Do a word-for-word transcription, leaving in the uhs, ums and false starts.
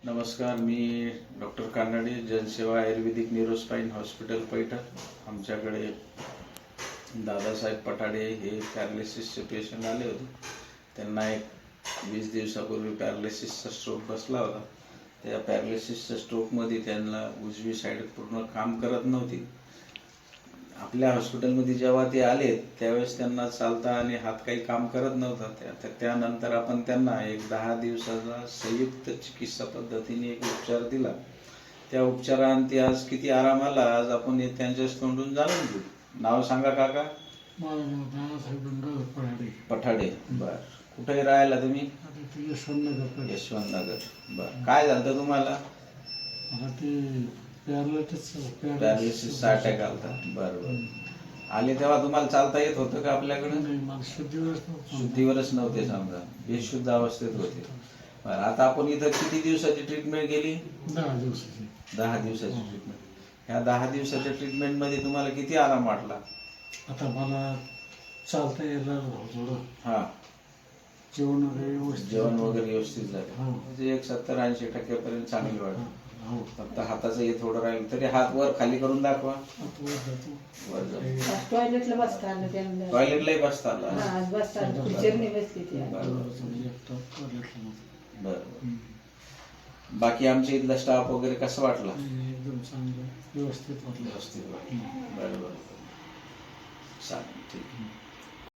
नमस्कार, मी डॉक्टर कानडे, जनसेवा आयुर्वेदिक neurospine hospital Paithan. आमच्याकडे दादासाहेब पठाडे हे पॅरालिसिसचे पेशंट आले होते. त्यांना एक वीस दिवसापूर्वी पॅरालिसिसचा स्ट्रोक बसला होता. त्या पॅरालिसिसच्या स्ट्रोकमध्ये त्यांना उजवी साईड पूर्ण काम करत नव्हती. आपल्या हॉस्पिटलमध्ये जेव्हा ते आले त्यावेळेस त्यांना चालता आणि हात काही काम करत नव्हता. त्या त्यानंतर आपण त्यांना एक दहा दिवसाचा संयुक्त चिकित्सा पद्धतीने एक उपचार दिला. त्या उपचारांती आज किती आराम आला आज आपण हे त्यांच्याच तोंडून जाणून घेऊ. नाव सांगा काका. पठाडे. बर, कुठे राहायला तुम्ही? यशवंतनगर. यशवंतनगर. बर, काय झालं तुम्हाला? पॅरालिसिसचा अटॅक आलता. बरं बरं. आले तेव्हा तुम्हाला चालता येत होतं का? आपल्याकडे शुद्धीवरच नव्हते, समजा बेशुद्ध अवस्थेत होते. बरं, आता आपण इथं किती दिवसाची ट्रीटमेंट केली? दहा दिवसाची. दहा दिवसाची ट्रीटमेंट. ह्या दहा दिवसाच्या ट्रीटमेंट मध्ये तुम्हाला किती आराम वाटला? आता मला चालता यायला थोडं. हा, जेवण वगैरे व्यवस्थित जेवण वगैरे व्यवस्थित झालं. हा. म्हणजे एक सत्तर ऐंशी टक्क्यापर्यंत चांगली वाटली. हो. फक्त हाताचं हे थोडं राहील. तरी हात वर खाली करून दाखवा. वर जातो. वर जाऊ. टॉयलेटला बसता आलं त्यांना. टॉयलेटलाही बसता आला. हा, आज बसता आलं. खुर्चीवरनी बसली ती. बरं. बाकी आमच्या इथला स्टाफ वगैरे कसा वाटला? एकदम चांगलं व्यवस्थित वाटलं. व्यवस्थित वाटलं. बरं बरं. चालेल, ठीक आहे.